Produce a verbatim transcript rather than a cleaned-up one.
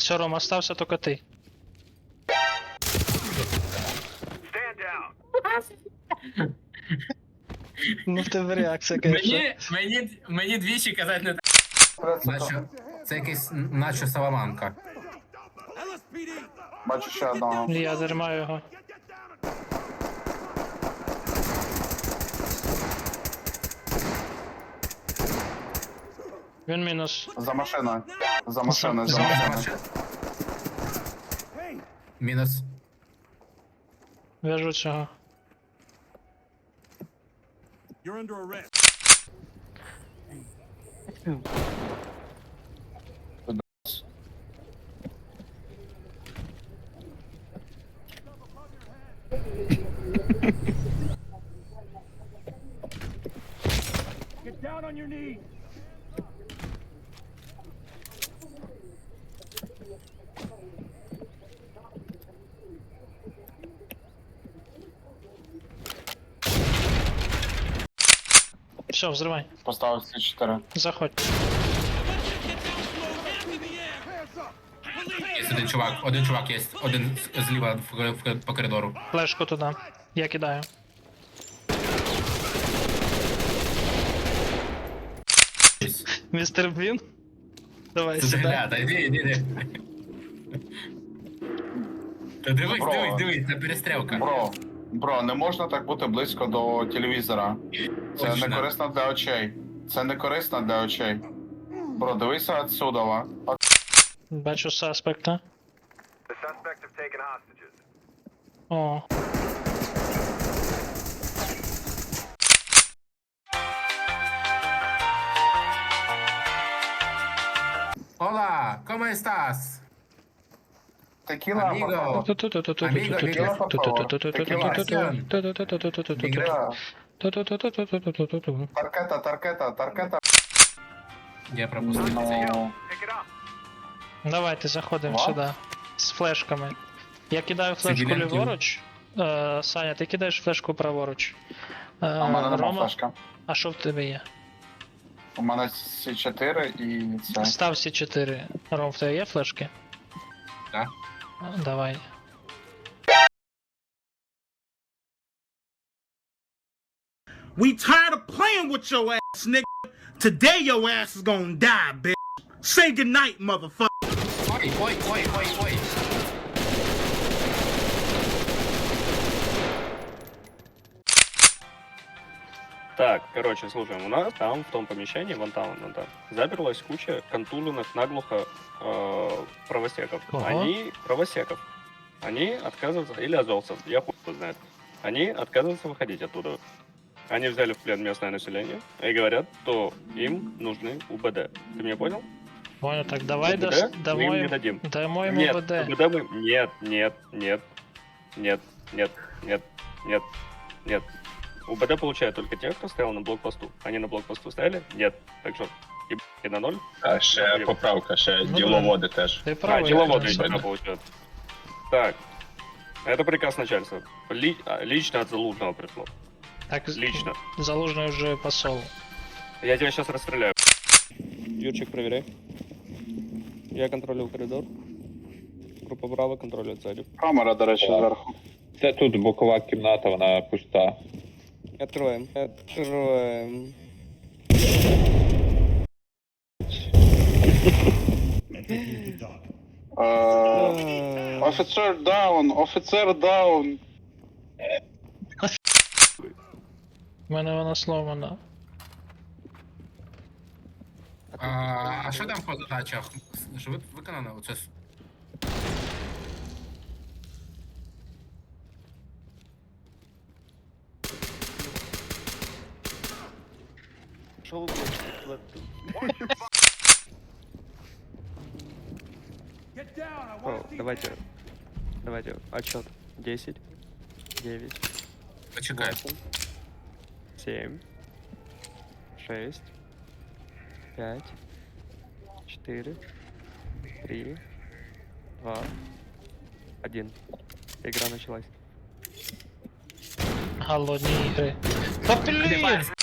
Все, Ром, остався только ты. Ну, в тебе реакція, конечно. Мені, мені, мені двічі казати не так. Наче, це якийсь наче Саламанка. Бачу ще одного. Я дермаю його. Він мінус. За машиною. За машиною, За- за за машиною. Мінус. В'яжу цього. You're under arrest. Get down on your knees. Все, взривай. Поставив ці чотири. Заходь. Є один чувак, один чувак є, один з- зліва в, в, по коридору. Флешку туди. Я кидаю. Ось. Містер Блін? Давай Це сюди. загляда, іди, іди, іди. Та дивись, Бро. дивись, дивись, це перестрілка. Бро, бро, не можна так бути близько до телевізора. Це Точно. не корисно для очей. Це не корисно для очей. Бро, дивися отсюда. Бачу суспекта. The suspects have taken hostages. О. Hola, ¿cómo estás? Текіла, Аміго. папа. Amigo, Tequila, por favor. Tequila. Таркета, таркета, таркета. Я пропустив це. Ну, Pick it up. Давайте заходимо Ва? сюди. З флешками. Я кидаю флешку Цивільний ліворуч. Е, Саня, ти кидаєш флешку праворуч. Е, а в мене нема Рома, флешка. а що в тебе є? У мене сі чотири і це. Став Сі чотири. Ром, в тебе є флешки? Так. А, Давай. We tired of playing with your ass, nigga. Today your ass is gonna die, bitch. Say goodnight, motherfucker. Ой, ой, ой, ой, ой. Так, короче, слушаем, у нас там, в том помещении, вон там, вон там, заперлась куча контуженных наглухо э, правосеков. Ого. Они, правосеков, они отказываются, или азовцев, я хуй его знает, они отказываются выходить оттуда. Они взяли в плен местное население и говорят, что им нужны УБД. Ты меня понял? Понял, так давай УБД дас- мы им домой. не дадим. Дамо йому Нет, БД. УБД мы... Нет, нет, нет, нет, нет, нет, нет, нет. УБД получают только те, кто стоял на блокпосту. Они на блокпосту стояли? Нет. Так что, ебать на ноль. А ще поправка, ще Ну, діловоди теж. Ти А, правий. деловоды Женя. именно получают. Так. Это приказ начальства. Ли- а, лично от Залужного пришло. Так, Лично. Залужний вже посол. Я тебя сейчас расстреляю. Юрчик, проверяй. Я контролюю коридор. Група Браво контролює цілі. Камера, до речі, зверху. Це тут бокова кімната, вона пуста. Откроем. Откроем. Е, Офіцер даун, офіцер даун. У мене вона сломана. А, а що там по задачах? Що ви- виконано? Оце с- Шо вы Get down. I О, want to see давайте. Давайте. Отчет. десять. девять. Почекай. восемь. семь. шесть. пять. четыре. три. два. один. Игра началась. Голодні ігри. Та блін!